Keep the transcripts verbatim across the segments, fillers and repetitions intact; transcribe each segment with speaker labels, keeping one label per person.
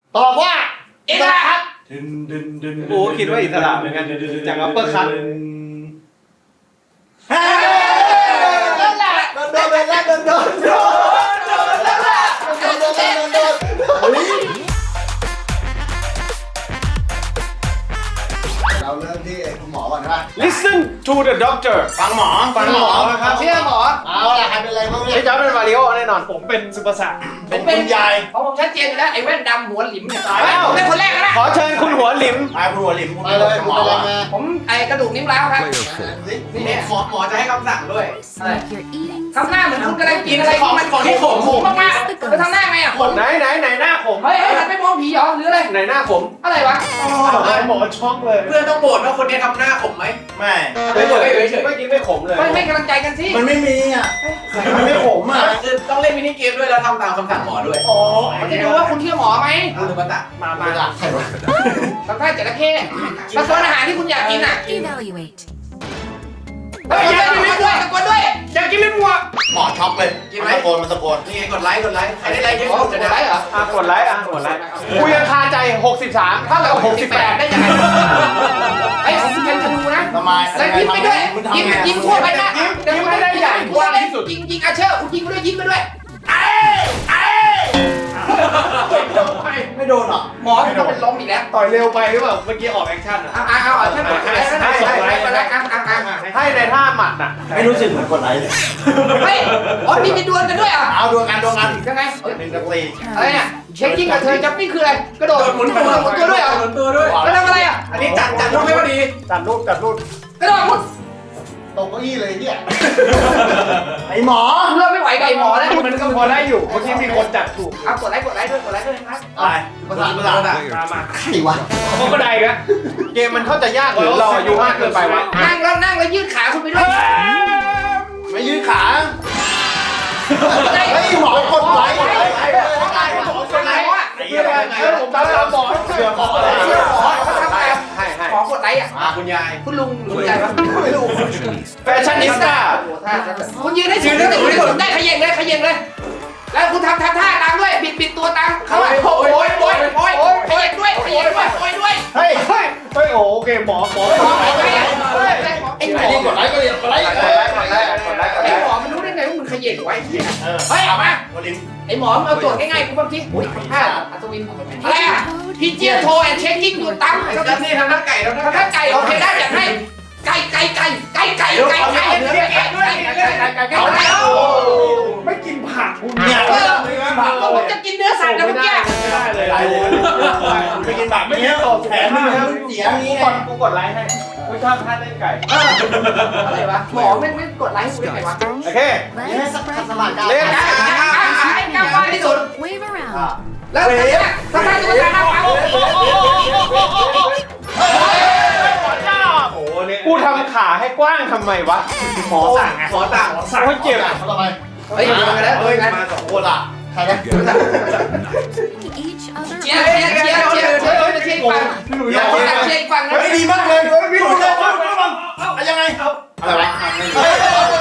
Speaker 1: ตอบว่า
Speaker 2: อิสระครับ
Speaker 3: โอ้คิดว่าอิสระเหมือนกันจากอัปเปอร์คัท
Speaker 2: นั่นแหละ
Speaker 1: โดนโดนโดนโดนโดนโดน
Speaker 2: นั่นแหละ
Speaker 1: โดนโดนโดนโดนเราเริ่มที่คุณหมอก่อนนะ
Speaker 3: Listen to the doctor
Speaker 1: ฟังหมอ
Speaker 3: ฟังหมอครับ
Speaker 2: เชื่อหมอ
Speaker 1: เอาล่ะใครเป็นอะไรบ้างเนี่
Speaker 3: ไอ้
Speaker 1: ย
Speaker 3: จอร์จเป็นมาริโอแน่นอนผมเป็นสุภาษา
Speaker 1: เป็นคุณยาย
Speaker 2: เพราะผมชัดเจนอยู่แล้วไอ้แว่นดำหัวหลิมเนี่ย
Speaker 3: ตายแล้ว
Speaker 2: ผมเป็นคนแรกนะ
Speaker 3: ขอเชิญคุณหัวหลิม
Speaker 1: ตายคุณหัวหลิมคุณไปเลยคุณเป็นอะไรมา
Speaker 2: ผมไอ้กระดูกนิ้วร้าวครับ
Speaker 1: นี่เนี่ยหมอหมอจะให้คำสั่งด้วย
Speaker 2: ทำหน้าเหมือนคุณกำลังกินอะไรของมันของที่ขมขมมากๆไปทำหน้าไงอ่ะขม
Speaker 3: ไหนไหนไหนหน้าผม
Speaker 2: เฮ้ยเฮ้ยหันไปมองผีเหรอหรืออะไร
Speaker 3: ไหนหน้าผม
Speaker 2: อะไรวะ
Speaker 3: หมอช็อกเลย
Speaker 4: เพื่อนต้องโหวตว่าคนนี้ทำหน้าผมไหม
Speaker 1: ไม่
Speaker 3: เฉยเฉยเมื่อกี้ไม่ขมเลย
Speaker 2: ไม่ไม่กำลังใจกันสิ
Speaker 1: มันไม่มีอ่ะมันไม่ขมอ่ะ
Speaker 4: คือต้องเล่นมินิเกมด้วยแล้วทำตามคำสั่งหมอด้วย
Speaker 3: อ๋อ
Speaker 2: ผมจะดูว่าคุณเชื่อหมอไหม
Speaker 4: คุณลุงมาตะ
Speaker 3: มา
Speaker 1: มา
Speaker 3: มา
Speaker 1: จากใครวะ
Speaker 2: ทำท่าจระเข้ตะโกนอาหารที่คุณอยากกินอ่ะ
Speaker 5: Evaluate.
Speaker 2: เฮ้ยตะโกนด้วยตะโกนด้วย
Speaker 3: อยากกินลิ้นวัว
Speaker 1: หมอช็อกเลยมันตะโกนมันตะโกน
Speaker 4: นี่ไงกดไลค์กดไลค์ใครได้ไลค์เยอะ
Speaker 2: โอ้
Speaker 4: สุด
Speaker 2: โห
Speaker 4: จะ
Speaker 2: ไร
Speaker 4: ได้
Speaker 2: เหรอ
Speaker 3: อ่ะกดไลค์อ่ะกดไลค์กูยังคาใจหกสิบสามเท่ากับหกสิบแปด
Speaker 2: ได้ยังไงไอ้ผมเป็นธนูนะ
Speaker 1: ทำไม
Speaker 2: แล้วยิงไปด้วยยิงยิงทั่วไปนะ
Speaker 3: ยิงไม่ได้ใหญ่กว้างที่สุด
Speaker 2: ยิงยิงอาเชอร์คุณยิงไปด้วยยิงไปด้วย
Speaker 1: ไม่โดนหรอ
Speaker 2: หมอจะเป็นล้มอีกแล้ว
Speaker 3: ต่อยเร็วไปหรือเปล่าเมื่อกี้ออกแอคชั่นอ่ะ
Speaker 2: เอาเอาเอาเอาใช่ไหมใช่ใช่ใช่ใช่ใช่เอาเอาเอา
Speaker 3: ให้ในท่าหมัดน่ะ
Speaker 1: ไม่รู้สึกเหมือนคนไหนเลย
Speaker 2: เฮ้ยอ๋อมีมีดวลกันด้วยอ่ะ
Speaker 1: เอาดวงกันดวงกัน
Speaker 2: ยังไง
Speaker 1: หนึ่งกับสี่
Speaker 2: อะไรเนี่ยเช็คกิ้งกับเธอจับปิ้งคืออะไรกระโดดหมุนตัวหมุนตัวด้วยเหรอ
Speaker 4: หมุนตัวด้วย
Speaker 2: แล้วทำอะไรอ่ะ
Speaker 4: อันนี้จัดจัดรูปให้พอดี
Speaker 3: จัดรูปจัดรูป
Speaker 2: กระโดดหมุน
Speaker 1: ตกเก้าอี้เลยเนี่ยไอหมอ
Speaker 2: เริ่มไม่ไหวกับไอ้หมอแล้ว
Speaker 3: มันก็พอได้อยู่เมื่อกี้มีคนจัดถูก
Speaker 2: เอากดไลค์กดไลค์ด้วยกดไลค์ด้วยนะครับ
Speaker 1: อะไรภาษาภาษา
Speaker 3: มามา
Speaker 1: ใครวะ
Speaker 3: เขาก็ได้กันเกมมันเข้าใจยากหรือเราอายุมากเกินไปวะ
Speaker 2: นั่งแล้วนั่งแล้วยืดขาคุณไปด้วย
Speaker 1: ไม่ยืดขาเฮ้ยหมอกดไลค์กดไลค์
Speaker 2: คนไหนวะ
Speaker 1: ไอ้เหี้ยผมจำแล้วหมอเชื่อหมอเลย
Speaker 2: เชื่อหมอเขาทำอะไร
Speaker 3: ให้ให้
Speaker 2: หมอกดไลค์อ่ะ
Speaker 4: อ่ะคุณยาย
Speaker 2: คุณลุงลุงใจปะ
Speaker 1: ไม่รู้
Speaker 3: แฟชั่นนิสต้า
Speaker 2: คุณยืนให้สูงได้สูงได้สูงได้ขย่งเลยขย่งเลย แล้วคุณทำทำท่าตามด้วยบิดบิดตัวตามเขาอ่ะโอ้ยโอ้ยโอ้ยโอ้ยขย่งด้วยขย่งด้วยโอ้ยด้วย
Speaker 1: เฮ้ย
Speaker 3: เฮ้ยเฮ้ยโอเคหมอหมอ
Speaker 2: หมอไอ้ไอ้ไอ้หมอ
Speaker 1: ไอ้นี่กดไลค์ก็เรียนกดไลค์
Speaker 3: กดไลค์กดไลค์กดไลค์กดไล
Speaker 2: ไอ้
Speaker 3: ค์
Speaker 2: หมอมันรู้ได้ไงว่ามึงขย่งไว้
Speaker 1: เออ
Speaker 2: เฮ้ยเอามา
Speaker 1: โอลิม
Speaker 2: ไอ้หมอมึงเอาโจทย์ง่ายๆกูบ้างทีอุ้ยท่าอัศวินอะไรอ่ะพีเจียโทแอนเช็คกิ้งอยู่ตั้ม
Speaker 4: ไอ้จัดนี่ทำหน้าไก่แล้วนะ
Speaker 2: ถ้าไก่โอเคได้อยากให้ไก่ไก่ไก่ไก่ไก่ไก่ไก่ไก่ไก่ไก่ไก่ไก่ไก่ไก่ไก่
Speaker 3: ไม่กินผัก
Speaker 1: เนี่ย
Speaker 2: ผมจะกินเนื้อสัตว์นะเมื่อกี้
Speaker 3: ไม่ได้เลย
Speaker 1: ไรเลยไปกินแบบนี้แถมนึงแล้วเสียงี้
Speaker 3: กดกูกดไลค์ให้กูชอบท่าเล่นไก่
Speaker 2: อะไรวะหมอไม่ไม่กดไลค์กูได้ไงวะ
Speaker 3: โอเค
Speaker 1: นี่ให้สักสมัครกัน
Speaker 3: เล่น
Speaker 2: ไอ้กำบ้าที่สุด
Speaker 5: Wave around.
Speaker 2: แล้วถ้าถ้าตัวตาเอา
Speaker 3: โอ้เนี่ยกูทำขาให้กว้างทำไมวะหมอสั่งไง
Speaker 4: หมอต่าง
Speaker 3: โอ้ยเจ็บ
Speaker 1: เขาทำไม
Speaker 2: เฮ้ยมากันแล้วเฮ้ย
Speaker 1: มาสองคนอ่ะใครนะ
Speaker 5: Each other.
Speaker 2: เชียร์เชียร์เชียร์เชียร์เชียร์เชียร์อีกฝั่ง
Speaker 3: พี่หนุ่ย
Speaker 2: เชียร์คนต่างเชียร์อีกฝั่งนะ
Speaker 1: เฮ้ยดีมากเลยพี่ดูเลยยังไงอะไรวะโอ้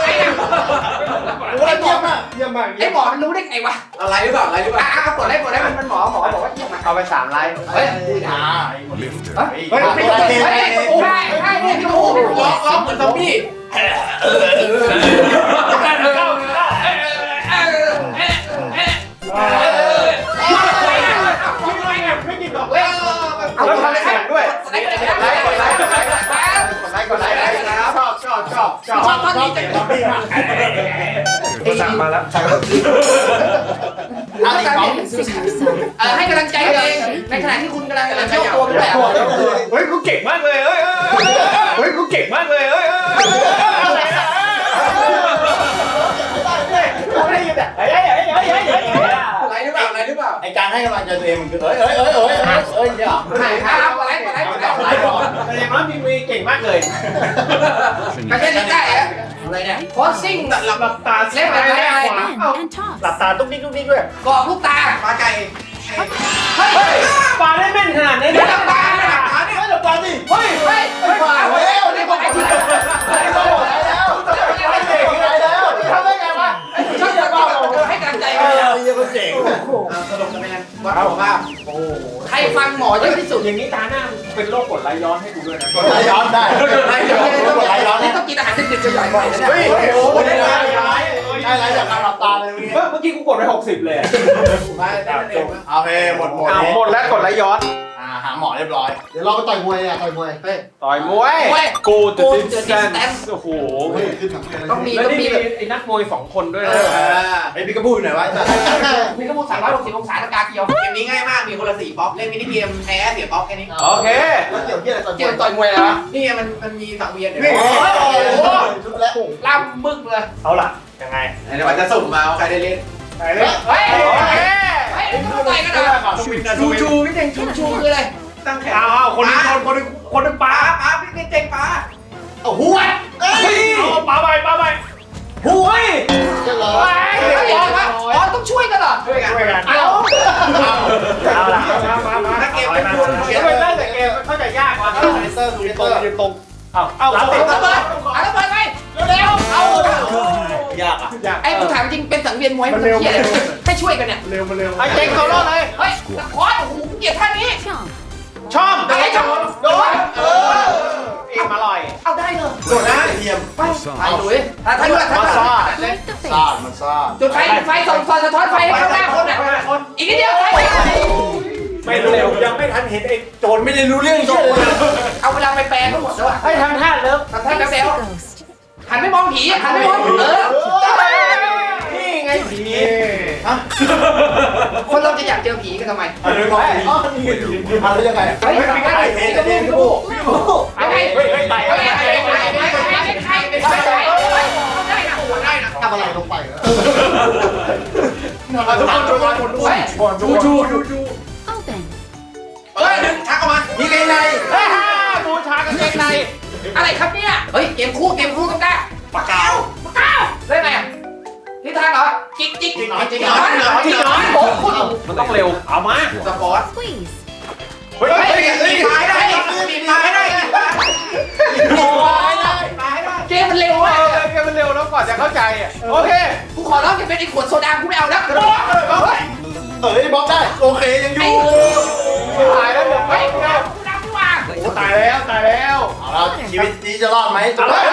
Speaker 1: ยเยี่ยมอ่ะ
Speaker 3: เยี่ยมมาก
Speaker 2: ไอ้หมอมันรู้ได้ไงวะ
Speaker 4: อะไรหรือเปล่าอะไรหรือเปล่า
Speaker 2: อ่ะกดไลค์กดไลค์มันมันหมอหมอบอกว่าเยี่ยมอ่ะ
Speaker 3: เอาไปสามไลค์
Speaker 2: เฮ้ย
Speaker 1: อ่า
Speaker 2: เฮ้ยไม่ต้องเฮ้ยใช่ใช่เนี่ยพี่โอ้โห
Speaker 4: ล็อกล็อกเหมือนซอมบี้
Speaker 3: ไม่กินดอกเล่นแล้วทำเสียงด้วย
Speaker 2: กดไลค์กดไลค์กดไลค์กดไลค์กดไลค์
Speaker 3: กดไลค์กดไลค์ชอบชอบชอบชอบ
Speaker 2: ชอบท่อนนี้จัง
Speaker 3: กูสั่งมาแล้ว
Speaker 2: ต้องการเปลี่ยน
Speaker 5: Balancing yourself.
Speaker 2: เออให้กำลังใจตัวเองในขณะที่คุณกำลังโยกตัวไปด้วยอ่ะ
Speaker 3: เฮ้ยกูเก่งมากเลยเฮ้ยเฮ้ยกูเก่งมากเลยเฮ้ยอะไรนะกูได้ยินแต่เฮ้ยเฮ้ยเฮ้ยเฮ้ยเฮ้ย
Speaker 4: อะไรหรือเปล่าอะไรหรือเปล่า
Speaker 1: ไอการให้กำลังใจตัวเองมันคือเอ้ยเอ้ยเอ้ยเอ้ยเอ้ยเนี่ย
Speaker 2: ไหนครับกดไลค์กดไลค์กดไลค์กดไลค์ก่อน
Speaker 3: แต่อย่างน้อยมีมีเก่งมากเลย
Speaker 2: ไม่ใช่ลิซ่าอ่ะอะไรเนี่ยโคชซิ่ง
Speaker 3: หลับหลับตาเล่นอะไรได้ขวา
Speaker 5: In
Speaker 3: เอ้า
Speaker 5: and toss.
Speaker 3: หลับตาตุ๊กติ๊กตุ๊กติ๊กด้วย
Speaker 2: กรอบลูกตา
Speaker 4: ปลาไก่
Speaker 2: เฮ้ย
Speaker 3: เฮ้ยปลาได้แม่นขนาดนี้
Speaker 2: ไม่ต้องตาไม่ต้องตา
Speaker 1: ไม่หลับตาสิ
Speaker 2: เฮ้ยเฮ้ยเฮ้ยเฮ้ยนี่กดไลค์กดไลค์
Speaker 1: ไม่หมดแล้วไม่เก่งอะไรแล้วทำได้ไงวะ
Speaker 2: ชอบจะบอกให้กำลังใจ
Speaker 1: เอ
Speaker 2: กัน
Speaker 1: อเยี่ยมเจ๋ง
Speaker 4: สรุปคะแนน
Speaker 2: ก
Speaker 4: วัดสุขภาพ
Speaker 3: โอ้โห
Speaker 2: ใครฟังหมอเยอะที่สุด
Speaker 3: อย่างนี้ตาหน้าเป็นโรคกรดไหลย้อนให้กูด้วยนะ
Speaker 1: กดไหลย้อนได้กดไหลย้อนกดไหลย้อน
Speaker 2: นี่
Speaker 1: นี่
Speaker 2: ต้องกินอาหารดึกๆจะใหญ่บ่อยนะเนี่ย
Speaker 1: เฮ้ยโอ้โหได้ไหล
Speaker 3: ย้าย
Speaker 1: ได้ไหลจากการหลับตาเลย
Speaker 3: เมื่อเมื่อกี้กูกดไปหกสิบเลย
Speaker 4: มาได้เอง
Speaker 1: โอเคหมดหมด
Speaker 3: อ้าวหมดแล้วกดไหลย้อน
Speaker 1: อ่าหาหมอเรียบร้อย
Speaker 6: เดี๋ยวเราไปต่อยมวยอ่ะต่อยมวย
Speaker 2: เฮ้ย
Speaker 3: ต่อยมวย
Speaker 2: มวย
Speaker 3: กูจะ
Speaker 2: กู
Speaker 3: ดิ
Speaker 2: จะ
Speaker 3: ส
Speaker 2: ดิ
Speaker 3: แต
Speaker 2: ส
Speaker 3: น
Speaker 2: แตน
Speaker 3: โอ้โห
Speaker 6: เฮ้ยขึ้นถังเเลย
Speaker 2: ต้องมี
Speaker 3: แล้ว
Speaker 2: ต้อง
Speaker 3: นี่
Speaker 2: มี
Speaker 3: มี
Speaker 2: แบบ
Speaker 3: ไอ้นักมวยสองคนด้วยนะ
Speaker 1: ไอ้บิ๊กกระบูอยู่ไหนวะ
Speaker 2: มีกระมูสามร้อยหกสิบองศาตะการเดียว
Speaker 4: เกมนี้ง่ายมากมีคนละสี่ป๊อปเล่นมินิเกมแพ้เสียป๊อปแค่นี้
Speaker 3: โอเค
Speaker 6: แล้วเกี่ยวเกี่ยวอะไรต่อยม
Speaker 2: เกี่ยว
Speaker 6: วย
Speaker 2: ต่อยมวยแล้ว
Speaker 4: นี่มันมันมีสังเวียนเดี๋ยว
Speaker 1: นี่
Speaker 2: โอ้โห
Speaker 6: ชุดแล้ว
Speaker 2: ล่ำบึกเลย
Speaker 3: เอาล่ะยังไง
Speaker 4: เดี๋ยวมันจะสุ่มมาว่าใครได้เล่น
Speaker 3: ไปเลย
Speaker 2: เฮ้ย
Speaker 3: โอเค
Speaker 2: เฮ้ยต้องต่อยกันเหรอ
Speaker 4: ชูชูพี่เจง
Speaker 2: ชูชูคืออะไร
Speaker 4: ตั้งแขน
Speaker 3: เอาเอาคนหนึงคนคนหนึงคนหนึงปลา
Speaker 4: ป้าป้าพี่เจงป้า
Speaker 6: เอาหัวเอ้ย
Speaker 3: เอาปลาไปปลาไป
Speaker 6: หัวจะเหรอ
Speaker 3: ไป
Speaker 2: เฮ้ยอ๋อต้องช่วยกันเหรอ
Speaker 4: ช่วยกัน
Speaker 3: ช่วยกัน
Speaker 2: เอา
Speaker 3: เอาล่ะมามามา
Speaker 4: นักเกม
Speaker 3: ไป
Speaker 4: เป็น
Speaker 3: มา
Speaker 4: คน
Speaker 3: เขียนไปตั้งแต่เกมเข้าใจยากว่ะ
Speaker 1: เตอร์ดู
Speaker 3: ยืน
Speaker 1: เต
Speaker 3: ตร
Speaker 1: อง ร์
Speaker 3: ยืนตรงเอาเอา
Speaker 2: เอา
Speaker 3: ติด
Speaker 2: ระเบิดเอาระเบิดไปเร็วๆเอา
Speaker 1: ยากอ่ะ
Speaker 3: ยาก
Speaker 2: ไอ้กูถามจริงเป็นสังเวียนมวยมันเที่ยให้ช่วยกันเนี่ย
Speaker 3: เร็วมาเร็วไอ้เจ๊งเขารอดเลย
Speaker 2: เฮ้ยตะคอนโอ้โหเกลียดท่านี้
Speaker 5: Chomp.
Speaker 3: ชอบ
Speaker 2: ไอ้ชมโดนเออ
Speaker 3: เอ็มอร่อย
Speaker 2: เอาได้เลย
Speaker 1: โดดนะเทียม
Speaker 2: ไปไปดูดิถ้าถ้าถ้าถ้า
Speaker 5: Like the
Speaker 1: ซา
Speaker 5: face.
Speaker 1: ดมันซาด
Speaker 2: จุดไฟจุดไฟส่องส่องสะท้อนไฟให้ข้างหน้าคนอ่ะอีกนิดเดียว
Speaker 3: ไม่เร็วยังไม่ทันเห็นไอ้โจรไม่ได้รู้เรื่อง
Speaker 2: ส่
Speaker 3: เชี่
Speaker 2: ง
Speaker 3: ยเลย
Speaker 2: เอาเวลาไปแปลงทั้งหมดแล้ว
Speaker 3: ให้ทำท่าเลิฟ
Speaker 2: ทำท่า
Speaker 5: Face
Speaker 2: แบ
Speaker 5: the
Speaker 2: ว
Speaker 5: ghost.
Speaker 2: หันไม่มองผีหันไม่มองเออ
Speaker 3: นี่ไงผี
Speaker 2: คนเราจะอยากเจอผีกันทำไม
Speaker 1: อันนี้มองดี
Speaker 3: อ๋อนี่ไงผี
Speaker 1: อันนี้ยังไง
Speaker 2: เฮ้ยทำได้ผีกระบูกระบูเอาไง
Speaker 3: เฮ้ยเฮ้ยไป
Speaker 2: เอาไงเอาไงเอาไงเอาไงเอาไงเอาไงเอาได้นะได้นะ
Speaker 6: ทำอะไรลงไปเหรอ
Speaker 1: ทุกคนทุกคนทุกคน
Speaker 3: ชูชูชูชู
Speaker 5: Open.
Speaker 4: เฮ้ยดึงชักออกมา
Speaker 1: นี่ไงไง
Speaker 3: เฮ้ยบูชากางเกงใน
Speaker 2: อะไรครับเนี่ยเฮ้ยเกมคู่เกมคู่กันได้
Speaker 1: ปากกาว
Speaker 2: ก้าวได้ไงทิศทางเหรอจิกจิก
Speaker 1: จิกหน่อยจิกห
Speaker 2: ห
Speaker 1: น่
Speaker 2: น
Speaker 1: อ
Speaker 2: อย นหนอนจิกหนอนโอ้โห
Speaker 3: มันต้องเร็วเอามา
Speaker 4: สปอร์ต
Speaker 5: Squeeze.
Speaker 3: เฮ้ย
Speaker 2: เฮ้ย
Speaker 4: ปีนไม้ได้ปีนไม้ได้ปีนไม้ได้ไม้ได้
Speaker 2: เกมมันเร็ว
Speaker 3: เอ
Speaker 2: มาก
Speaker 3: อเกมมันเร็วแล้วก่อนจะเข้าใจอ่ะโอเค
Speaker 2: กูขอร้องจะเป็นไอ้ขวดโซดากูไม่เอาแล้ว
Speaker 1: เอ้ยบล็อกได้โอเคยังอยู่
Speaker 3: ตายแล้วเดี๋ยว
Speaker 2: เฮ้
Speaker 3: เฮ้
Speaker 2: ย
Speaker 3: ย
Speaker 2: กูดำกูดำกูว่า
Speaker 3: โอ้ตายแล้วตายแล้ว
Speaker 1: เอาละชีวิตนี้จะรอดไหมจะรอด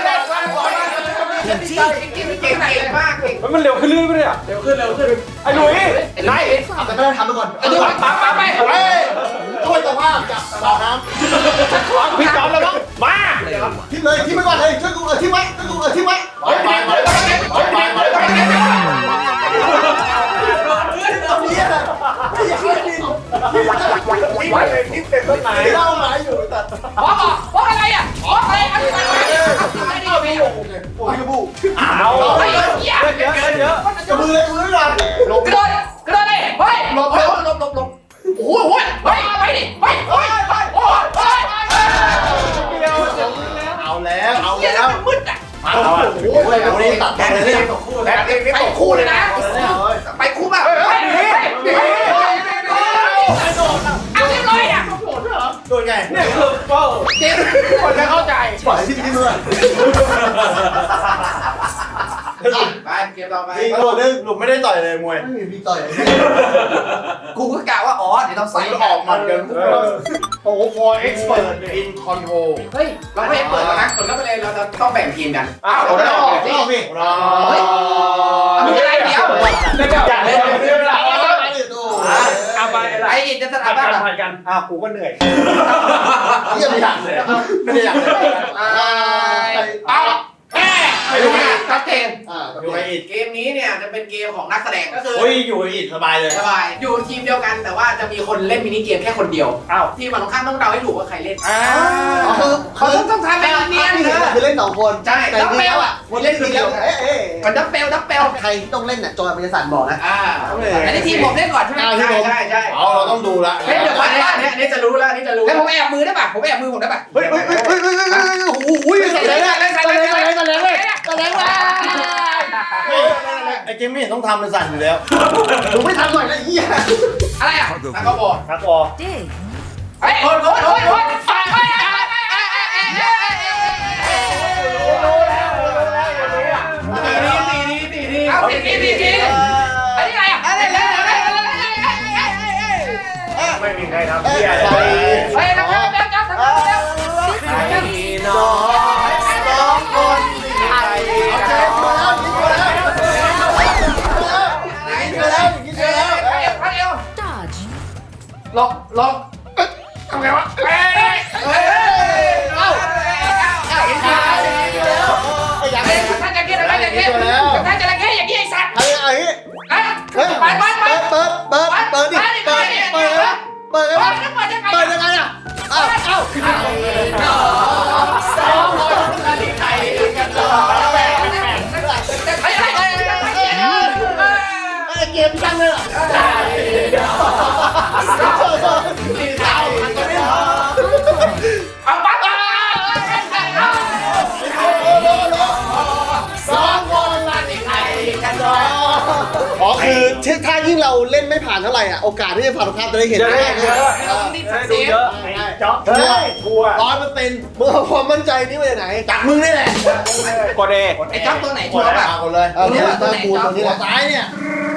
Speaker 2: เก่งเก่ง
Speaker 4: เก่งเก่งมากเก่ง
Speaker 3: มันเร็วขึ้นเรื่อยๆเลยอ่ะ
Speaker 4: เร็วขึ้นเร็วขึ้น
Speaker 3: ไอ้หลุยไล่
Speaker 6: เอาแต่ไม่ได้ทำไปก่อน
Speaker 2: กระดูกปั๊บปั๊บไป
Speaker 1: เฮ้ยช่วยตะภาพจับสาวน้
Speaker 3: พี่จอมแล้วมั้งมา
Speaker 6: ทิ้งเลยทิ้งไปก่อนเลยช่วยกูเออทิ้งไว้ช่วยกูเออทิ้งไว้
Speaker 1: ำไปไปไปไปไปไปไปไป
Speaker 6: เฮียนะไม่อยากให้ดิน
Speaker 3: ไว้ทิศเต็มต้นไม้
Speaker 6: เล่าหมายอยู่แต่
Speaker 2: บล็อกบล็อกอะไรอ่ะบล็อกอะไรอะไรอะไรนี่มี
Speaker 6: โอ้ยกระบู
Speaker 3: เอา
Speaker 2: เฮ้ยเหี้ย
Speaker 3: เยอะเยอะเยอะ
Speaker 6: กระบือเลยกระบือก่อน
Speaker 2: กระโดดกระโดดเลยเฮ้ยหลบหลบหลบหลบหลบโอ้โหเฮ้ยไปดิไปเฮ้ยไปโอ้ยเฮ้ย
Speaker 3: เดียว
Speaker 1: เอาแล้วเอา
Speaker 2: เหี้ย
Speaker 1: แล้ว
Speaker 2: มันมืดอ่ะ
Speaker 1: โอ้โหวันนี้ตัด
Speaker 4: แด
Speaker 1: ต่อน เลย
Speaker 4: เล่
Speaker 1: เนี่ย
Speaker 4: นของคู่
Speaker 3: แบ
Speaker 4: แล้ว
Speaker 3: บนี้
Speaker 2: ไปคู่เลยนะไปคู่แบบเฮ้ยเฮ้ยเฮ้ยเอาเรียบร้อยอ่ะ
Speaker 1: โดนไง
Speaker 3: เนี่ยคือเป้า
Speaker 2: เกม
Speaker 3: คนจะเข้าใจ
Speaker 6: ปล่อยที่ที่นู่น
Speaker 4: ไปเกมต่อไป
Speaker 1: นี่โดนนึงหลุมไม่ได้ต่อยเลยมวย
Speaker 6: ไม่มีมีต่อย
Speaker 2: กูก็กะว่าอ๋อเดี๋ยวต้อง
Speaker 1: ใส่
Speaker 2: ใส่
Speaker 1: ออกมันกัน
Speaker 3: โอ้โหฟอร์เอ็กซ์เปิด
Speaker 1: อินคอนโทร
Speaker 2: เฮ้ย
Speaker 4: เรา
Speaker 2: เรา
Speaker 4: ไม่
Speaker 2: ไม่
Speaker 4: เปิ
Speaker 2: เปิ
Speaker 4: ด
Speaker 2: ด
Speaker 4: แล้
Speaker 2: แล้ว ว
Speaker 4: นะ
Speaker 2: นะ
Speaker 4: กดเข้าไปเลยเราจะต้องแบ่งทีมกัน
Speaker 3: อ้าวเราออกสิ
Speaker 1: เรา
Speaker 2: เฮ้ยมีอะไรเดียว
Speaker 3: อยากเล่นเรื่องอะไร
Speaker 6: เอาไป
Speaker 2: ไอ้อินจะสถา
Speaker 3: ผ่าน
Speaker 2: บั
Speaker 3: กัน น
Speaker 2: อ่ะ
Speaker 3: ผ่านกันอ้าวกูก็เหนื่อย
Speaker 1: เยี่ยมอยากเลยไม่ได้อยากเลย
Speaker 2: เอาแม่ไม่รู้นะชัดเจน
Speaker 6: อ่า
Speaker 1: อยู่ไออิด
Speaker 4: เกมนี้เนี่ยจะเป็นเกมของนักแสดงก็คือ
Speaker 1: เฮ้ยอยู่ไออิดสบายเลย
Speaker 4: สบายอยู่ทีมเดียวกันแต่ว่าจะมีคนเล่นมินิเกมแค่คนเดียว
Speaker 3: อ้าว
Speaker 4: ทีมฝั่งตรงข้ามต้องเดาให้ถูกว่าใครเล่น
Speaker 3: อ้า
Speaker 6: คือ
Speaker 2: เขาต้องต้องทำแบบเนียน
Speaker 6: ที่คือเล่นสองคน
Speaker 4: ใช่
Speaker 6: แต่จริงแล้วอ่ะคนเล่นคนเดียวเอ๊ะเอ๊ะ
Speaker 2: มันดับเบลดับเบล
Speaker 6: ใครต้องเล่นน่ะจอยมันจะสั่นบอกนะ
Speaker 4: อ่า
Speaker 2: อันนี้ทีมผมเล่นก่อนใช่ไหม
Speaker 4: ใช่ใช่ใช่
Speaker 1: เอาเราต้องดูละ
Speaker 2: เฮ้ยเดี๋ยวก่
Speaker 4: อั
Speaker 2: อน
Speaker 4: นนี้อันนี้อันนี้จะรู้แล้วอันนี้จะรู้
Speaker 2: แล้วผมแอบมือได้ป่ะผมแอบมือผมได้ป่ะ
Speaker 1: เฮ้ยเฮ้ยเฮ้ยเฮ้ยเฮ้ยเฮ้ยโอ้โห
Speaker 2: ใส่เลยใส่เลยใส่เลยใส่เลยใส่เลยใส่เลยว้า
Speaker 1: ไอเกมไม่เห็นต้องทำมันสั่นอยู่แล้ว
Speaker 6: ดูไม่ทันหน่อยนะเฮีย
Speaker 2: อะไรอ่ะ
Speaker 4: แล้วก็บอก
Speaker 3: นักวอ
Speaker 5: Dig.
Speaker 2: เฮ้ยคนคนคนคนฝากไว้
Speaker 3: รู้แล้วรู้แล้วอย่างนี้อ่ะ
Speaker 4: ตีนี้ตีนี้ตีนี้
Speaker 2: เอาทีทีทีทีอันนี้อะไรอ่ะอะไรอะไรอะไรอะไร
Speaker 3: มีใครทำ
Speaker 6: เอ้ย
Speaker 3: เหี้ย
Speaker 6: ใส่
Speaker 2: เฮ้ยทำแล้วแล้วทำแล้วแล้ว
Speaker 6: สองสองคนใครเอาเจ๊มาแล้วยิงมาแล้วยิงมาแล้วยิงมาแล้ว
Speaker 2: เฮ้ยเฮ้ยเอว
Speaker 5: Dodge.
Speaker 2: ลองลองทำไงวะเฮ้ยเฮ้ยเอ้าเอ้าเห็นไหม
Speaker 6: อย่าง
Speaker 2: เฮ้
Speaker 6: นี้
Speaker 2: ยท่านจะเกี้ยอะไรอย่างเงี้ยท่านจะอะไรเงี้ยอย่างเงี้ยไอ้สัตว์
Speaker 6: ไอ้ไอ้
Speaker 2: เฮ้ย
Speaker 6: เฮ้ย
Speaker 2: ไปไปไป
Speaker 6: เปิดเปิดเปิดดิเปิดเปิดเปิดเปิด
Speaker 2: เปิดยังไง
Speaker 6: เปิดยังไงอ่ะเอ้าเอ้าสองคนใครกันต่อ
Speaker 2: เฮ้ยเฮ้ยเฮ้ยเฮ้ย
Speaker 6: ไอ้เกมจังเลยอ่ะนี่เท้ามันก็ไม่พอ
Speaker 2: เอาปั๊บ
Speaker 6: สองคนละนี่ใครกันต่ออ๋อคือถ้ายิ่งเราเล่นไม่ผ่านเท่าไหร่อ่ะโอกาสที่จะผ่านภาพจะได้เห็น
Speaker 3: จะได้เยอะ
Speaker 2: รีบ
Speaker 3: ได้
Speaker 2: เสี
Speaker 3: ดู
Speaker 2: ย
Speaker 3: เยอะจ๊อบเฮ้ยกลัว
Speaker 6: ร้อยเปอร์เซ็นต์มึงเอาความมั่นใจนี่มาจากไหนจากมึงนี่แหละ
Speaker 3: กดเอ
Speaker 2: ไอ้จ๊อบตัวไหนชัวร์ป่ะ
Speaker 6: คนเลยเอาเนี่ยตัวกูตัวนี้แหละซ้ายเนี่ย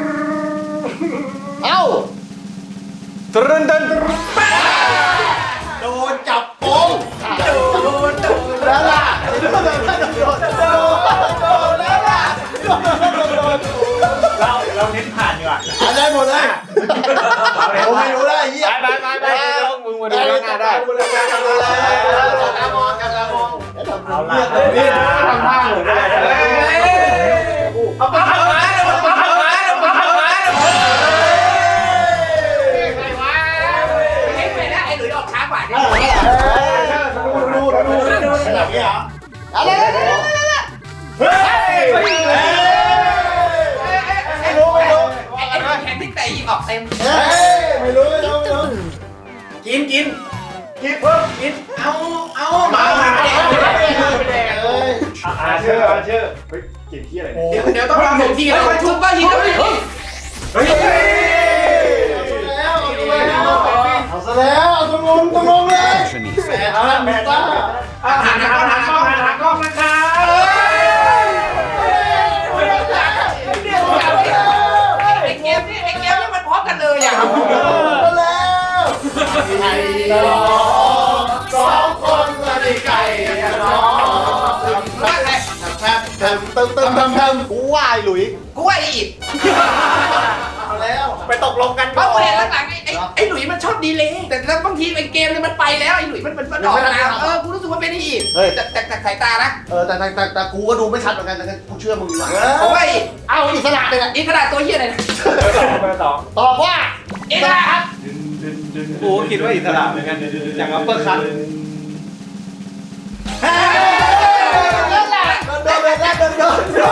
Speaker 6: เอ้า
Speaker 3: ตรึนตึน
Speaker 6: โดนจับโป๊ะโดนโดนแล้วล่ะโดนโดนโดนโดนแล้วล่ะโดนโดน
Speaker 3: เราเราเน้นผ่านดีกว่า
Speaker 6: ได้หมดเลยผมไม่รู้ได้เหี้ย
Speaker 3: ไปไปไปไปมึงมาดูหน้าได้
Speaker 6: ตามองกันตามอง
Speaker 3: เอาละนี่ทำท่าเหมือนอะไรเอาไปทำมาเอาไปทำมาเอาไปทำมา
Speaker 2: ใครวะเห็นไปแล้วไอ้หลุยออกช้ากว่าเนี่ย
Speaker 6: ดูดูดูดูแบบนี้เหรออะไร
Speaker 3: เฮ้ย
Speaker 6: ไม่รู้ไม่รู้
Speaker 2: ไอ้ไอ้แข่งที่แต่ยิงออกเต็ม
Speaker 6: เฮ้ยไม่รู้ไม่รู้
Speaker 5: Hit the boom.
Speaker 3: กินกินกินเพิ่มกินเอาเอามามาเด็กเด็กเลยอาเชื่ออาเชื่อเฮ้ยกินที่อะไร
Speaker 2: เดี๋ยวเดี๋ยวต้องรอหนึ่งทีแล้วทุบก็ยิงแล้วเฮ้ย
Speaker 3: เฮ้ย
Speaker 6: เอาซะแล้วเอาตรงงตรงงเลยแหมเอาละแม่ต้า
Speaker 3: หันหน้าหันกล้องหันกล้องนะครับ
Speaker 2: ไอ้เกมนี่ไอ้เกมนี่มันพร้อมกันเลยอ่ะ
Speaker 6: มาแล้วไก่น้องสองคนมาได้ไก่น้องทำทำทำทำทำทำกูว่าไอ้หลุย
Speaker 2: กูว่าไอ้อิด
Speaker 6: เอาแล้ว
Speaker 3: ไปตกลงกัน
Speaker 2: เพราะเห็นหลังๆไอ้ไอ้ไอ้หลุยมันชอบดีเลยแต่แล้วบางทีไอ้เกมเนี่ยมันไปแล้วไอ้หลุยมันมันมันออกมาเออกูรู้สึกว่าเป็นไอ้อิดแต่แต่แต่สายตานะ
Speaker 6: เออแต่แต่แต่กูก็ดูไม่ชัดเหมือนกันแต่กูเชื่อมึงดีกว่า
Speaker 2: เพราะว่า
Speaker 6: เอาอิสระเลยนะ
Speaker 2: อิกระดาษตัวเฮียอะไรนะ
Speaker 3: เบอร์สอง
Speaker 6: ตอบว่า
Speaker 2: อิกระดาษครับ
Speaker 3: กูคิดว่าอิสระเหมือนกันอย่างอัปเปอร์คัท
Speaker 6: เฮ้ยโดนโดนโดนโดนโดนโด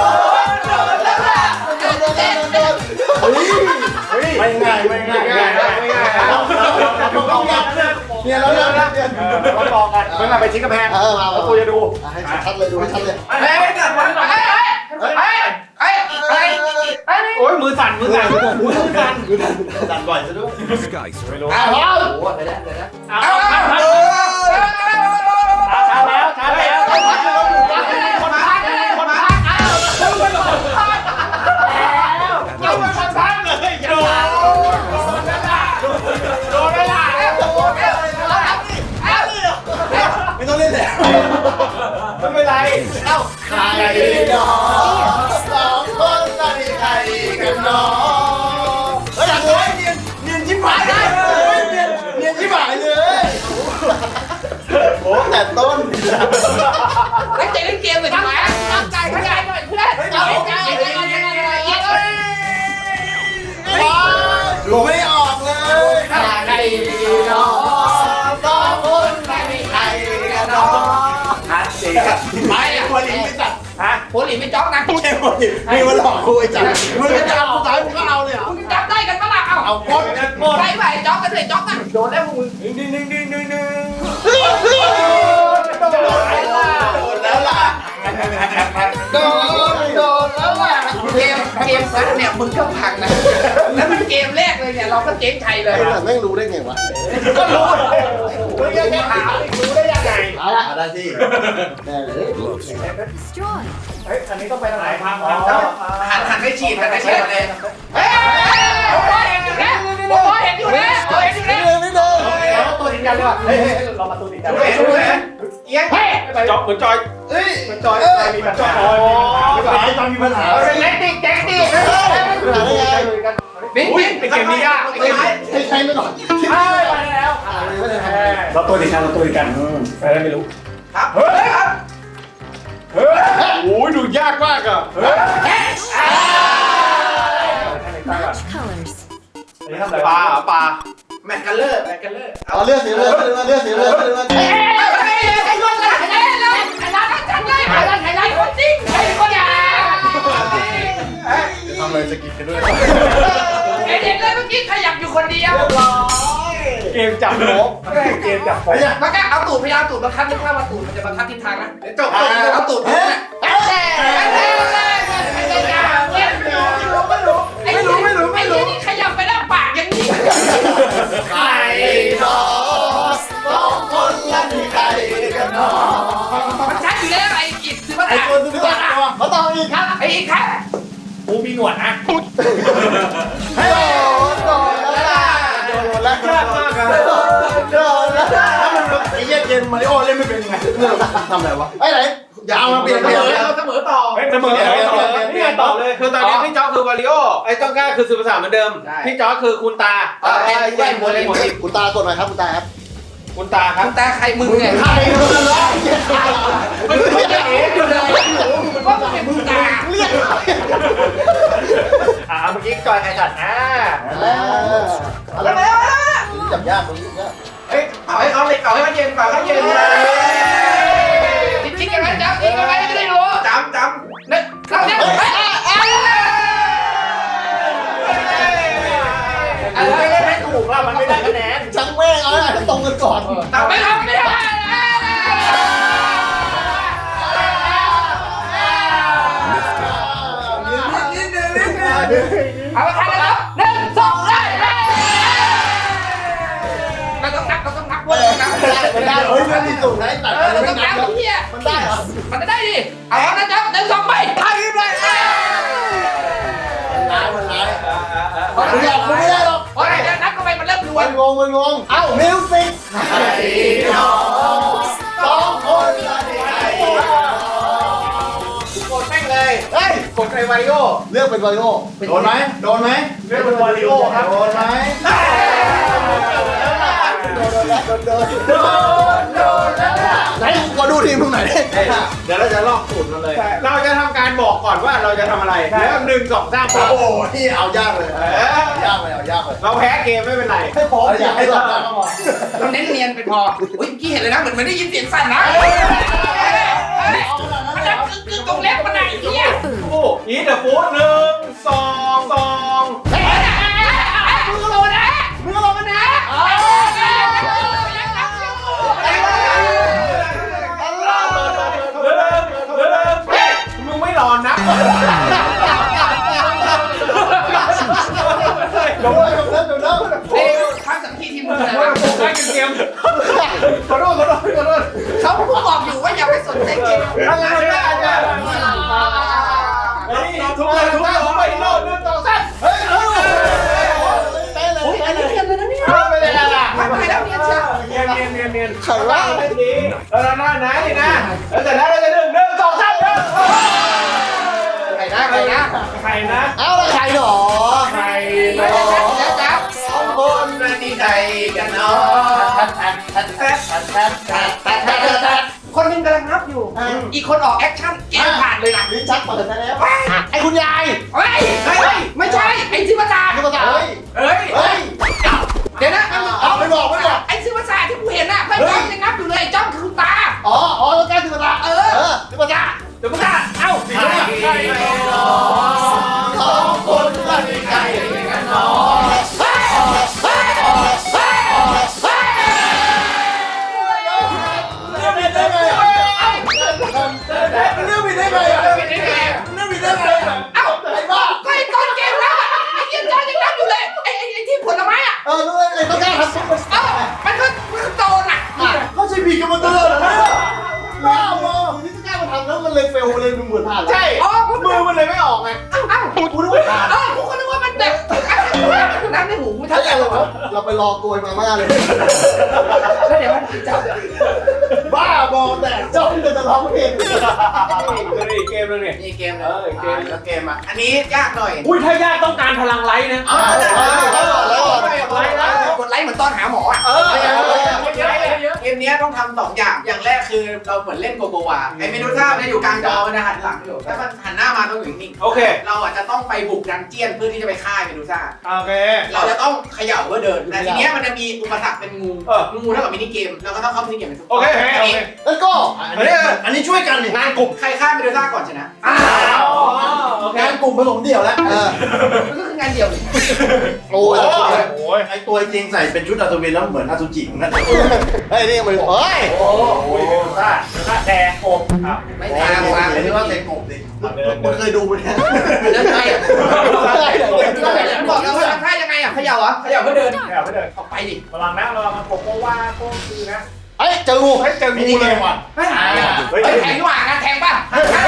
Speaker 6: นเฮ้ยไม่ง่ายไม่ง่ายไม่ง่ายไม่ง่ายเราเราเราเนี่ยเราเราเนี่ย
Speaker 3: เราบอกกันเมื่อไหร่ไปชิ้นกระแพง
Speaker 6: เออมา
Speaker 3: แล้วกูจะดู
Speaker 6: ให้ชัดเลยดูให้ชัดเลย
Speaker 3: เฮ้ยจัดวันก่อน
Speaker 2: เฮ้ยเฮ้ยเฮ้ยเฮ้ยเฮ้ย
Speaker 3: โอ้ยมือสั่นมือสั่นมือสั่น
Speaker 6: ดันบ่อยซะด้วย
Speaker 3: ไม่รู้
Speaker 6: อ้าว
Speaker 2: โอ้ไปแล้วไปแล้ว
Speaker 3: เอา
Speaker 2: เอา
Speaker 3: เอา
Speaker 2: เอา
Speaker 3: เอา
Speaker 2: เอา
Speaker 3: ช้าแล้วช้าแล้ว
Speaker 2: คนพักคนพักเอาคนพัก
Speaker 3: เอาไปคนพักเลยโดนโดนไม่ได้
Speaker 6: ไม่ต้องเล่นแล้ว
Speaker 3: ไม่เป็นไร
Speaker 6: เอ้าใครน้องสองคนละนี่ใครกันน้องเฮ้ยโอ้ยเนียนเนียนชิบหายเลยเนียนเนียนชิบหายเลยโอ้แต่ต้น
Speaker 2: ตั้งใจเล่นเกมเลยทำไมตั้งใจตั้งใจหน่อยเพื่อนตั้งใจตั้งใจยังไงยังไงยังไง
Speaker 6: ดูไม่ออกเลยใครน้องสองคนละนี่ใครกันน้อง
Speaker 3: ฮัทเจ๊กับ
Speaker 6: ไม่อะคนหลิงไม่จัด
Speaker 3: ฮะ
Speaker 2: โพลีไม่จ๊อกนะ
Speaker 6: ไม่ใช่คนหลิงมีวันหลอกกูไอ้จัดมึงจะเอาสุดท้ายมึงก็เอาเลยเหรอ
Speaker 2: มึงจำได้กันปะล่ะเอ้า
Speaker 6: เอาหมด
Speaker 3: หมด
Speaker 2: ใช่ไหมจ๊อกกันเลยจ๊อกนะโดนแล้วมึง
Speaker 3: ดึงดึงดึงดึงดึงดึง
Speaker 6: โดนแล้วล่ะโดนโดนแล้วล่ะ
Speaker 2: เกมเกมซัดเนี่ยมึงก็พังนะแล้วมันเกมแรกเลยเนี่ยเราก็เจ๊งชัยเลย
Speaker 6: ไอ้แต่แม่งรู้ได้ไงวะ
Speaker 2: ก็รู้
Speaker 3: มึงยังแค่ถามอีกรู้ได้ยังไง
Speaker 6: เอาละได้สิแน่เลย
Speaker 5: Destroy.
Speaker 3: เฮ้ยอันนี้ต้องไปทางไหนพัง
Speaker 2: หันหันไปฉีดหันไปฉีดเลยเฮ้ยโอ้ยเห็นอยู่นะโอ้ยเห็นอยู่นะโอ้ยเห็นอยู่นะ
Speaker 6: ไม่เดินไม่เดิ
Speaker 3: กันเลยว่ะเฮ้ยเรามาตูติดกันเลยเอียงจอยเหมือนจอย
Speaker 6: เฮ้ย
Speaker 3: เหมือนจอยจอยมีปัญหาจอยมีปัญหาหรือเปล่า
Speaker 6: สายตอนมีปัญหา
Speaker 3: เป็นเล็กติ๊กแจ็คติ๊ก
Speaker 6: ปัญหาได้ไง
Speaker 2: บิ๊ก
Speaker 3: อุ้ย
Speaker 2: บิ๊ก
Speaker 3: เป็นเกมนี้ยาก
Speaker 6: ให้ใช้ไปก่อน
Speaker 3: ใช่ไปแล้วเราตัวติดกันเราตัวติดกันไปแล้วไม่รู้ครับเฮ้ยครับเฮ้ยโอ้ยดูยากมากอ่ะเฮ้ย
Speaker 5: Match colors.
Speaker 3: อันนี้ทำอะไรปลาปลา
Speaker 2: แมทกันเลอร์แมทกันเลอร์
Speaker 6: เอาเลือดสีเลือดเลือดสีเลือดเลือด
Speaker 2: เฮ้ยเฮ้ยไอ้คนละไอ้เลยไอ้ร้านนั้นจังเลยไอ้ร้านไอ้ร้านคนจริงไอ้คนอย่า
Speaker 6: ทำอะไรสกิปกันด้วย
Speaker 2: ไอ้เด็กเลยเมื่อกี้ขยับอยู่คนเดียว
Speaker 3: เกมจับโป๊ะเกมจับโป๊ะ
Speaker 2: มันก็เอาตูดพยายามตูดบังคับนึกว่ามาตูดมันจะบังคับทิศทางนะเดี๋ยวจบเอาตูดเนี่ยไม่รู้ไม่รู้ไม่รู้นี่ขยับไปแล้วปากยังนี่
Speaker 6: ใครหนอสองคนละที่ใครกันหนอ
Speaker 2: มันชัดอยู่แล้วไอ้กิจซื้อมา
Speaker 6: ไอ้คนซื้อบัตรมาต่ออีกครับ
Speaker 2: ไอ้อีกครับ
Speaker 3: กูมีหนวดนะ
Speaker 6: ให้โดนโดนแล้วล่ะโดนแล้ว
Speaker 3: ยากมากอะ
Speaker 6: โดนแล้วถ้ามันไอ้เหี้ยเกมมาริโอเล่นไม่เป็นไงทำอะไรวะไอ้ไหนอย่าเอามาเปลี่ยนเปลี่ยน
Speaker 3: เสมอต่อเสมอต่อนี่ไงต่อเลย
Speaker 4: คือตอนนี้พี่จ๊อกคือวาริโอไอ้ต้องกล้าคือสื่อภาษาเหมือนเดิมพี่จ๊อกคือคุณตา
Speaker 2: ไอ้ไอ้หมดเลยหมด
Speaker 6: คุณตากดหน่อยครับคุณตาครับ
Speaker 4: คุณตาครับ
Speaker 2: แต่ใครมึงเนี่ย
Speaker 6: ใครโดนแล้ว
Speaker 2: มึงไม่ได้เอ๋อยู่เลยว่ามึงเป็นมึงตา
Speaker 6: เรียก
Speaker 3: อ่าเมื่อกี้จอยไอ้สัตว์อ่า
Speaker 6: อะไรจับยากมึงจับยาก
Speaker 4: เฮ้ยเอาให้เอาเลยเอาให้มันเย็นเปล่าให้เย็น
Speaker 2: จริงๆกันไหมจ๊ะจริงกันไหมจะได้รู้
Speaker 4: จำจำ
Speaker 2: เนี่ยเราเนี่ยอะไรไม่ถูก
Speaker 3: ว่ามันไม่ได้คะแนน
Speaker 6: จังแม่งเอาให้ตรงกันก่อน
Speaker 2: แต่ไม่ทำไม่ได้เอาไปกันแล้วหนึ่งสองเลยเราต้องนับเราต้องนับว่าต้องนับ
Speaker 6: มันได้เฮ้ยมันมีสูตรนะตัด
Speaker 2: เออเราต้องนับเฮีย
Speaker 6: มันได้เหรอ
Speaker 2: มันจะได้ดิเอานะจ๊ะหนึ่งสองไปทายเลย
Speaker 6: ร้ายมันร้ายมันอยากคุณไม่ได้หรอก
Speaker 2: โอ้ยเดี๋ยวนับเข้าไปมันเริ่มรว
Speaker 6: มัน นงงมันงงเอ้ามิวสิกใครหนอสองคนละที่ใคร
Speaker 4: กดแม่งเลย
Speaker 6: เฮ้ย
Speaker 4: กดไอ้วาริโอ
Speaker 6: เลือกเป็นวาริโอโดนไหมโดนไหม
Speaker 3: เรียกเป็นวาริโอครับ
Speaker 6: โดนไหมโดนแล้วโดนโดนโดนโดนแล้วไหนขอดูทีมมึงหน่อยดิ
Speaker 4: เดี๋ยวเราจะลอกสูตรมันเลย เราจะทำการบอกก่อนว่าเราจะทำอะไรแล้วหนึ่งสองสาม
Speaker 6: โอ้โหที่เอายากเลยยากเลยเอายากเลย
Speaker 4: เราแพ้เกมไม่เป็นไร
Speaker 6: ให้พออยากให้หลับได้ก็พอ
Speaker 2: เราเน้นเนียนไปพออุ้ยเมื่อกี้เห็นเลยนะเหมือนมันได้ยินเสียงสั่นนะมันดังกึ๊กกึ๊กตรงเล็บมันไหนเนี่ย
Speaker 3: โอ้อีเดอะฟูดหนึ่งสองสอง
Speaker 2: เฮ้ยมือลงนะมือลงนะยังนับอยู่
Speaker 3: เริ่มเริ่ม
Speaker 4: มึงไม่รอนะ
Speaker 6: โดนแล้วโดนแล้วโดนแล้ว
Speaker 2: เอ้ข้างสังคีทีมมือนะ
Speaker 3: ได้เกม
Speaker 6: ขอโทษขอโทษขอโทษ
Speaker 2: เขาพูดบอกอยู่ว่าอย่าไปสนใจเกม
Speaker 3: อะไรได้จ้ะเฮ้ยทุกเลยทุกเลยทุกเลยโน่นหนึ่งสองสาม
Speaker 6: เฮ้ยเฮ้ยเต้นเลย
Speaker 2: โอ้ยอันนี้เนียนเลยนะเนี่ย
Speaker 3: ไม่เป็นไรล่ะ
Speaker 2: ไม่ไปแล้วเนียนเชียว
Speaker 3: เนียนเนียนเนียนเนียน
Speaker 6: ไข่ว่า
Speaker 3: ไม่ดีเราหน้าไหนนะแล้วเสร็จแล้วเราจะหนึ่งหนึ่งสองสามหนึ่ง
Speaker 2: ใครนะใครนะ
Speaker 3: ใครนะ
Speaker 6: เอาละไข่หนอ
Speaker 3: ใคร
Speaker 2: แล้
Speaker 3: นะ
Speaker 2: วแล้วจ้า
Speaker 6: สองคนที่ใครกันเนาะ
Speaker 2: คนนึงกำลังนับอยู่ อีกคนออกแอคชั่นเกมผ่านเลยนะ
Speaker 6: ลิ้นชักเปิดได้แล้วไอ้คุณยาย
Speaker 2: เฮ้ยไม่ใช่ไอ้ชื่อภาษา
Speaker 6: คือภาษาเฮ้ย
Speaker 2: เฮ้ย
Speaker 6: เฮ้ย
Speaker 2: เดี๋ยวนะ
Speaker 6: เอาไม่บอกไม่บอก
Speaker 2: ไอ้ชื่อภาษาที่กูเห็นน่ะเพื่อนจ้องยังนับอยู่เลยจ้องคือตา
Speaker 6: อ๋ออ๋อแล้วแก้คือภาษาเออคือภาษา
Speaker 2: เดี๋ยวภาษาเอ้า
Speaker 6: ใครสองคนละที่ใครกันเนาะเรื่องผิดได้ไงอ่ะเรื่องผิดได้ไงอ่ะ
Speaker 2: เป็นยังไง
Speaker 6: เรื่องผิดได้ไงอ่ะ
Speaker 2: เอ้า
Speaker 6: ไอ้บ้า
Speaker 2: ก็ไอ้ต้นเกหูไม่
Speaker 6: ถ้า
Speaker 2: ทัน
Speaker 6: อย่างเราเราไปรอโกยมาม่าเลย
Speaker 2: แล้วเดี๋ยวมันจับ
Speaker 6: บ้าบอแต่จ้องจะร้องเพลง
Speaker 3: นี่เกมนึงนี่
Speaker 2: นี่เกมเล
Speaker 3: เอย อเกม
Speaker 1: แล้วเกมอ่ะ
Speaker 2: อันนี้ยากหน่อย
Speaker 3: อุ้ยถ้ายากต้องการพลังไลท์นะ
Speaker 2: เอาแล้วแล้วแล้ว
Speaker 3: ไลท์แล้ว
Speaker 2: กดไลค์เหมือนตอนหาหมออ่ะ
Speaker 3: เออเยอะเยอะ
Speaker 2: เกมนี้ต้องทำสองอย่างอย่างแรกคือเราเหมือนเล่นโกโกวาไอ้เมนูท่าเนี่ยอยู่กลางจอมันจะหันหลังอยู่ถ้ามันหันหน้ามาต้องอยู่นิ่ง
Speaker 3: โอเค
Speaker 2: เราอาจจะต้องไปบุกดันเจียนเพื่อที่จะไปฆ่าเมดูซ่า
Speaker 3: โอเค
Speaker 2: เราจะต้องเขย่าเพื่อเดิน แต่ทีเนี้ยมันจะมีอุปสรรคเป็นงู
Speaker 3: เออ
Speaker 2: งูเท่ากับมินิเกม เราก็ต้องเข้ามินิเกมเป็นทุก
Speaker 3: โอเคโอเค
Speaker 6: แล้วก็อันนี้อันนี้ช่วยกันนี่
Speaker 3: งานกลุ่ม
Speaker 2: ใครฆ่าเมดูซ่าก่อนชนะ
Speaker 3: อ้าวโอเค
Speaker 6: งานกลุ่มผสมเดี่ยวแล้วเออ
Speaker 2: มันก็คืองานเดียวเลย
Speaker 6: โอ้ย
Speaker 3: โอ้ย
Speaker 1: ไอตัวจริงใส่เป็นชุดอัศวินแล้วเหมือนอสุจิเหมือนกัน
Speaker 6: เฮ้ยนี่มันเฮ้ย
Speaker 3: โอ้ยซ่าซ่าแทงโอบอ้าว
Speaker 2: ไม่
Speaker 1: โอ้
Speaker 2: ทาง
Speaker 1: ย
Speaker 2: วาง
Speaker 1: เรียกว่าเตะกบดิ
Speaker 6: มึงเคยดูไหมเนี่ย
Speaker 2: เดินไปบอกแล้วว่าทำท่ายังไงอ่ะเขย่าเหรอเขย่าเพื่อเดิน
Speaker 3: แถวไปเดิน
Speaker 2: ออกไปดิ
Speaker 3: ระวังนะระวังมันโกโก้ว่าโก้คือนะ
Speaker 6: เฮ้ยเจองู
Speaker 3: ให้เจอ
Speaker 1: มิ
Speaker 3: งู
Speaker 1: นิเก
Speaker 3: เลย
Speaker 1: มว่ะ
Speaker 2: ไม่หายอ่ะเฮ้ยแทงดีกว่างานแทงป่ะ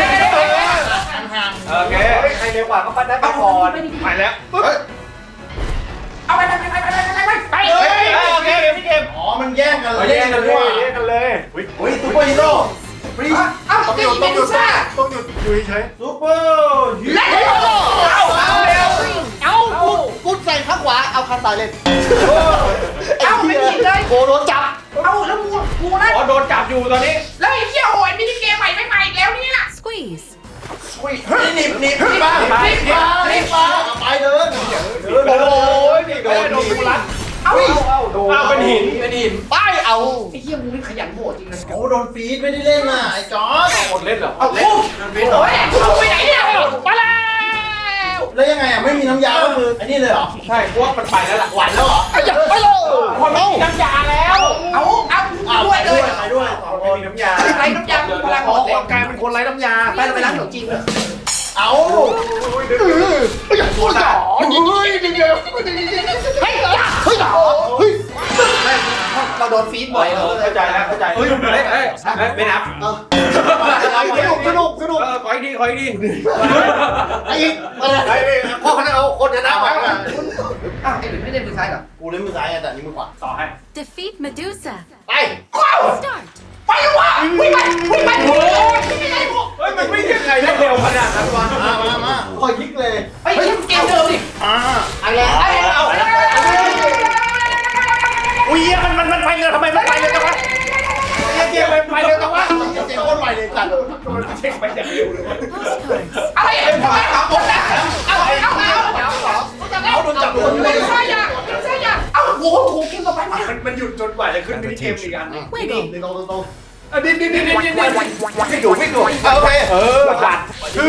Speaker 3: โอเคใครเร็วกว่าก็ปั้นได้ไปก่อนไปแล้วปึ๊บ
Speaker 2: เอาไปไปไปไปไปไปไปไป
Speaker 3: เฮ้ยโอเคเกมพี่เกม
Speaker 1: อ๋อมันแย่งกันเลย
Speaker 3: แย่งกันเลยแย่งกันเลย
Speaker 1: เฮ้ยซูเปอร์ฮีโร่ฟรี
Speaker 2: เอ้าตีเมดูซ่า
Speaker 1: ต้องหยุดอยู่เฉยซูเปอร์ฮี
Speaker 2: และ
Speaker 1: โร่
Speaker 2: เอาเอาเร็วเอา
Speaker 6: กูกูใส่ข้างขวาเอาข้างซ้ายเล่น
Speaker 2: เอาไม่ผิดเลย
Speaker 6: โกโดนจับ
Speaker 2: เอาแล้วงูงูนั่น
Speaker 3: อ๋อโดนจับอยู่ตอนนี้
Speaker 2: แล้วไอ้เหี้ยโอ้ยมินิเกมใหม่ไม่ใหม่อีกแล้วเนี่ย
Speaker 5: Squeeze.
Speaker 1: เฮ้ยหนีบหนีบหนีบมา
Speaker 3: ไป
Speaker 1: หนีบมาหนีบมาไปเดิน
Speaker 3: โอ้ยนี่โดนโดนกูรัด
Speaker 2: เอา
Speaker 3: เอาโดนเอาเป็นหิน
Speaker 2: เป็นหิน
Speaker 6: ไปเอา
Speaker 2: ไอ้เหี้ยงูนี่ขยันโหดจริงนะ
Speaker 1: โอ้โดนฟีดไม่ได้เล่นน่ะไอ้จอร์จ
Speaker 3: หมดเล่นเหรอ
Speaker 2: เอาโอ้โอ้ยเอาไปไหนเนี่ยมาแล้ว
Speaker 1: แล้วยังไงอ่ะไม่มีน้ำยาก็คืออันนี้เลยเหรอ
Speaker 3: ใช่พวกมันไปแล้วล่ะ
Speaker 1: หวานแล้วเหรอ
Speaker 6: ไปเลยไปเลย
Speaker 3: คนไม่มีน้ำยาแล้ว
Speaker 2: เอาเอา
Speaker 1: อ้าว
Speaker 2: ด้วย
Speaker 1: ไป
Speaker 2: เล
Speaker 1: ด้วย
Speaker 2: ย
Speaker 1: ไปด้วยสองค
Speaker 3: ไม่
Speaker 1: น
Speaker 3: มีน้ำยา
Speaker 2: ไรน้ำยาพลัง
Speaker 3: ข
Speaker 2: ห
Speaker 3: อ
Speaker 2: มดเลย
Speaker 3: กลายเป็นคนไร้น้ำยา
Speaker 2: ไปเราไปร้านขนมจีนเลย
Speaker 1: เอา
Speaker 6: ตัวจ่อเฮ้ยเฮ้ยเฮ้ยเฮ้ยเฮ้ย
Speaker 2: เราโดนฟีดบ่อย
Speaker 3: เข้าใจแล้วเข้าใจเฮ้ยเฮ้ยเฮ้ยไม่นับ
Speaker 6: สนุกสนุกสนุก
Speaker 3: เออขออีกทีขออีกที
Speaker 6: ไอ้อะไรพ่อคณะเอาคนชนะไป
Speaker 2: อ้าวไอ้หลุยไม่ได้มือซ้ายเหรอ
Speaker 1: กูเล่นมือซ้ายไงแต่นี่มือขวา
Speaker 3: ต่อให้
Speaker 5: Defeat Medusa.
Speaker 6: ไป
Speaker 5: Start.
Speaker 2: ไปวะวิ่งไปวิ่งไปโอ้ยไม่ได้หมด
Speaker 3: เฮ้ยมันไม่ยังไงได้เร็วขนาดนั้นวะ
Speaker 1: มามามา
Speaker 6: คอยยิกเลย
Speaker 2: ไอ้เกมเดิมดิ
Speaker 1: อ่า
Speaker 6: อะไร
Speaker 2: ไอ้เอา
Speaker 3: อุ้ยมันมันมันไปเลยทำไมมันไปเลยจังวะเกมมันไปเลยจังวะ
Speaker 1: เจ๊โคตรไวเลยจัด
Speaker 3: มันเช็คไปอย่างเร็วเลย
Speaker 5: Postcards.
Speaker 2: อะไรไอ้ทำไมเอาหมดนะเอาเอาเอาเอาโดนจับไม่ใช่ยาไม่ใช่ยาเอาโอ้โหเกมต่อไปมา
Speaker 3: มันมันหยุดจนกว่าจะขึ้นมินิเกมอีกอัน
Speaker 5: Wiggle.
Speaker 6: ตรงตรงตรง
Speaker 3: อ่ะดิดิดิดิดิดิไม่ดูไม่ดู
Speaker 6: โอเค
Speaker 3: เออผ่านคือ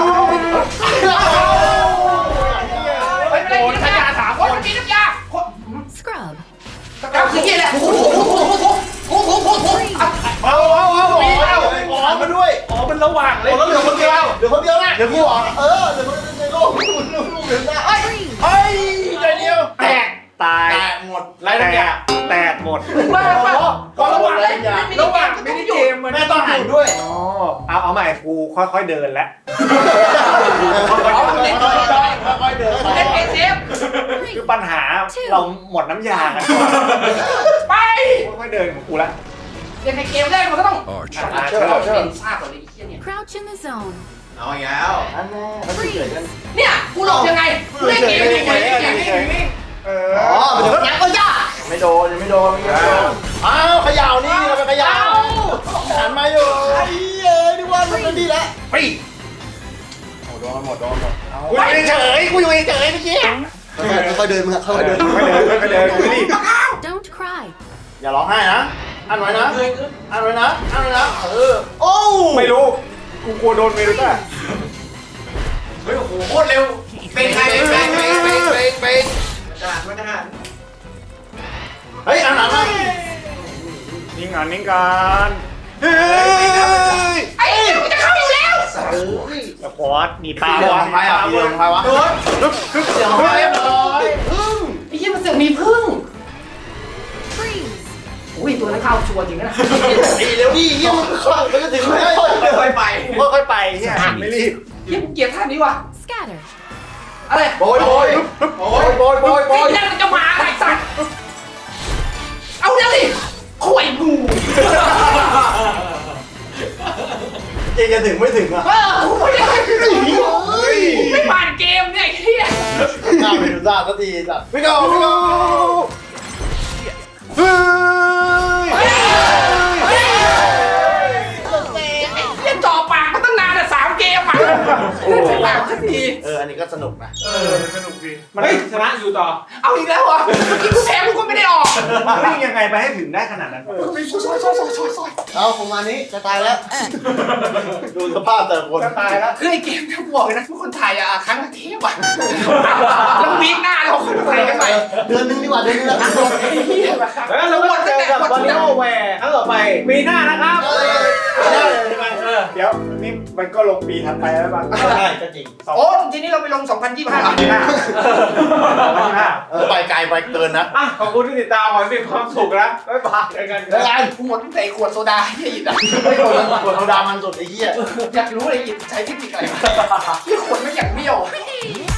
Speaker 2: เฮ้ยโดนขยะสามคนมีน้ำยา
Speaker 5: Scrub.
Speaker 2: เอาคือที่แหละโอ้โหโอ้โหโอ้โหโอ้โหโอ้โห
Speaker 3: เอาเอาเอา
Speaker 1: มี
Speaker 3: เอา
Speaker 1: เอาขอมาด้วย
Speaker 3: อ๋อมันระหว่างเลย
Speaker 6: แล้วเหลือคนเดียวเหลือคนเดียวนะเหลือกูเหรอเออเหลือคนในโลกลูกลูกลูกเหลือได้
Speaker 5: Freeze.
Speaker 1: เฮ้ยใจเดียว
Speaker 3: แตกตาย
Speaker 1: แตกหมด
Speaker 3: ไรทั้งอย่างแตกหมด
Speaker 2: ว่าว่าก็ระหว่างเลยระ
Speaker 3: ระ
Speaker 2: ห
Speaker 3: ห
Speaker 2: ว่า
Speaker 3: ว่าง ง
Speaker 2: ไม่
Speaker 3: มิ
Speaker 2: ได้
Speaker 3: นิ
Speaker 2: หยุ
Speaker 3: เก
Speaker 2: ด
Speaker 3: มมัน
Speaker 1: แม่ต้องหันด้วย
Speaker 3: อ๋อเอาเอาใหม่กูค่อยๆเดินแล้ว
Speaker 2: อ๋อเล่น
Speaker 1: ค่อยๆค่อยๆเดิน
Speaker 2: เล่นเอเซฟ
Speaker 3: คือปัญหาเราหมดน้ำยา
Speaker 2: ไป
Speaker 3: ค่อยๆเดินของกูละ
Speaker 2: เล่นในเกมแรกมันก็ต้องชนะเชื่อเป็นซากกว่าเลยไอ้เหี้ยเนี่ย
Speaker 5: Crouch in the zone.
Speaker 1: เอาอีกแล้ว
Speaker 6: อันแน่มันเกิดกัน
Speaker 2: เนี่ยกูหลบยังไงเล่นเกมยังไงเล่นเกมยังไง
Speaker 3: เอ
Speaker 6: อ๋อเดี๋ยวนักก็ยาก
Speaker 1: ไม่โดนยังไม่โดนยังไม่โดนอ้าวขย่าวนี่เราไปขย่าวหันมาอยู่
Speaker 6: ไอ้เอ้ยนี่ว่ามันดีแล้ว
Speaker 3: ปี
Speaker 1: โอ้โดนหมดโดนหมดเอา
Speaker 3: กูอยู่เฉยกูอยู่เฉยเมื่อกี้
Speaker 6: ค่อยๆเดินมึงค่อยๆเดิน
Speaker 3: ค่อยๆเดินค่อยๆเดินไม่รีบ
Speaker 5: Don't cry.
Speaker 1: อย่าร้องไห้นะอันไว้นะอันไว้นะอันไว้นะเออ
Speaker 6: โอ้
Speaker 3: ไม่รู้กูกลัวโดนเมรุต้า
Speaker 2: เฮ้ยโอ้โหโคตรเร็วเป็นใครเป็นใครเป็นใครเป็นใครเป็นทหารทหาร
Speaker 1: เฮ้ยอันหลังมา
Speaker 3: นิ่งงานนิ่งกัน
Speaker 1: เฮ้ย
Speaker 2: ไอ้เหี้ยมันจะเข้าอยู่แล้ว
Speaker 3: สควอตมีปลา
Speaker 1: เรื่อง
Speaker 3: วะ
Speaker 1: ของใครอ่ะเรื่องของใครวะ
Speaker 2: โดน
Speaker 1: เรื่องของใครเรียบร้อย
Speaker 2: ไอ้เหี้ยมันเสือกมีพึ่ง
Speaker 5: Freeze.
Speaker 2: อุ้ยตัวนั้นเข้าชัวร์จริงนะ
Speaker 1: ไอ้เร็วดิเยี่ยมมันเข้ามันก็ถึงไม่ได้
Speaker 2: ค่อยๆไป
Speaker 3: ค่อยๆไปเนี่ยไม่รีบ
Speaker 2: เหี้ยกูเกลียดท่านี้ว่ะ
Speaker 5: Scatter.
Speaker 2: เออะไร
Speaker 1: โบยโบยโบยโบยโบยโบ
Speaker 2: ไอ้
Speaker 1: ย
Speaker 2: นั่นมันจะมาไอ้สัตว์เอาเดี๋ยวดิข่วยงู
Speaker 1: เองจะถึงไม่ถึงอ่ะ
Speaker 2: เออไม่ได้ไม่ผ่านเกมเนี่ยไอ้เหี้ย
Speaker 1: หน้าไปดูซ่าสักทีสัตว์พี่โก้พี่โก้เฮ้ย
Speaker 2: เล่นจ่อปากมาตั้งนานอ่ะสามเกมอ่ะไม่ปากสักที
Speaker 1: เอออันนี้ก็สนุกนะ
Speaker 3: เออสนุกดี
Speaker 4: มันชนะอยู่ต่อ
Speaker 2: เอาอีกแล้วเหรอเมื่อกี้กูแพ้กูก็ไม่ได้ออก
Speaker 3: วิ่งยังไงไปให้ถึงได้ขนาดนั้น
Speaker 2: ไปซอยซอยซอยซอยซอยซอย
Speaker 1: เอาประมาณนี้จะตายแล้วดูสภาพแต่ละคน
Speaker 3: จะตายแล้ว
Speaker 2: คือไอ้เกมที่กูบอกเลยนะทุกคนไทยอ่ะครั้งละเทปอ่ะแล้ววีคหน้าเราคนไทยกันใหม่
Speaker 1: เดือนนึงดีกว่าเดือนนึงละครั้งเดียว
Speaker 2: ไอ้เหี้ยแบบ
Speaker 4: แล้วเราก็เจอกับบอลโนแวร์ครั้งต่อไปปีหน้านะครับ
Speaker 1: ได้เลยใช่ไหม
Speaker 3: เออเดี๋ยวนี่มันก็ลงปีถัดไปแล้วป่ะ
Speaker 1: ใช่ก็จริง
Speaker 2: โอ้ทีนี้เราไปลงสองพันยี่สิบห้าอ่ะ
Speaker 3: ปีหน้าปีหน้า
Speaker 1: เออไปไกลไปเกินนะ
Speaker 4: อ่ะขอบคุณที่ติดตามขอให้มีความสุขนะบ๊ายบายเจอกัน
Speaker 1: แล้วกัน
Speaker 2: กูหมดใส่ขวดโซดาที่อิดอ่ะ
Speaker 1: ไม่โดนปวดโซดามันสุดไอ้เหี้ย
Speaker 2: อยากรู้เลยอิดใช้เทคนิคอะไรที่ขวดไม่อย่างเบี้ยว
Speaker 5: Three.